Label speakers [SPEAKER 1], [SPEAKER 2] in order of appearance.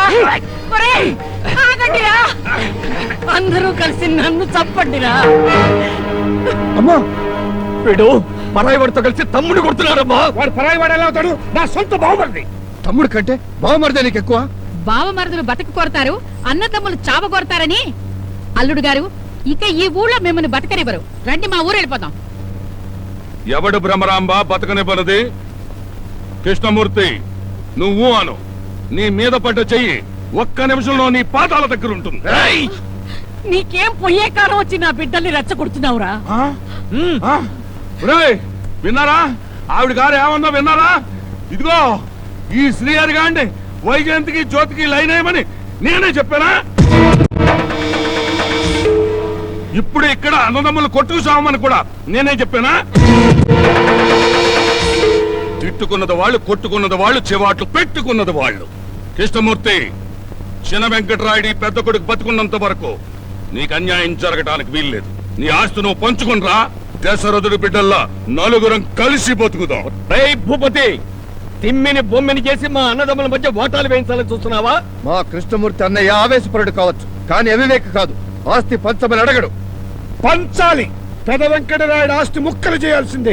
[SPEAKER 1] ఆగండిరా, అందరూ కలిసి నన్ను చంపండిరా.
[SPEAKER 2] అమ్మా వీడు పరాయి వాడితో కలిసి తమ్ముడు కొడుతున్నారమ్మా.
[SPEAKER 3] వాడు పరాయి వాడు ఎలా అవుతాడు? నా సొంత బావమరిది.
[SPEAKER 2] తమ్ముడు కంటే బావమరిదే నీకు ఎక్కువ.
[SPEAKER 1] బావమరుదులు బతక కొడతారు, అన్నదమ్ములు చావ కొడతారని అల్లుడు గారు ఇక ఈ ఊళ్ళో మిమ్మల్ని బతకనివ్వరు. రండి మా ఊరు వెళ్ళిపోతాం.
[SPEAKER 4] ఎవడు భ్రమరాంబ బతకనివ్వనది? కృష్ణమూర్తి నువ్వు అను. నీ మీద పడ్డ చెయ్యి ఒక్క నిమిషంలో నీ పాదాల దగ్గర ఉంటుంది.
[SPEAKER 1] నీకేం పొయ్యే కాలం వచ్చి నా బిడ్డల్ని రెచ్చగొడుతున్నావురా?
[SPEAKER 4] విన్నారా? ఆవిడ గారు ఏమన్నా విన్నారా? ఇదిగో ఈ శ్రీహరి గాండి వైజయంతికి జ్యోతికి లైన్ అయ్యమని నేనే చెప్పానా? ఇప్పుడు ఇక్కడ అన్నదమ్ములు కొట్టుకు సామని కూడా నేనే చెప్పానా? తిట్టుకున్నది వాళ్ళు, కొట్టుకున్నది వాళ్ళు, చివాట్లు పెట్టుకున్నది వాళ్ళు. కృష్ణమూర్తి, చిన్న వెంకటరాయుడి పెద్ద కొడుకు బతుకున్నంత వరకు నీకు అన్యాయం జరగటానికి వీల్లేదు. నీ ఆస్తి నువ్వు పంచుకునిరా. దశరథుడి బిడ్డల్లా నలుగురం కలిసి బతుకుదాం.
[SPEAKER 2] భూపతి, తిమ్మిని బొమ్మిని చేసి మా అన్నదమ్ముల మధ్య ఓటాలు వేయించాలని చూస్తున్నావా? మా కృష్ణమూర్తి అన్నయ్య ఆవేశపరుడు కావచ్చు, కానీ అవివేక కాదు. ఆస్తి పంచమని అడగడు.
[SPEAKER 3] పంచాలి. పెద వెంకటరాయుడు ఆస్తి ముక్కలు చేయాల్సిందే.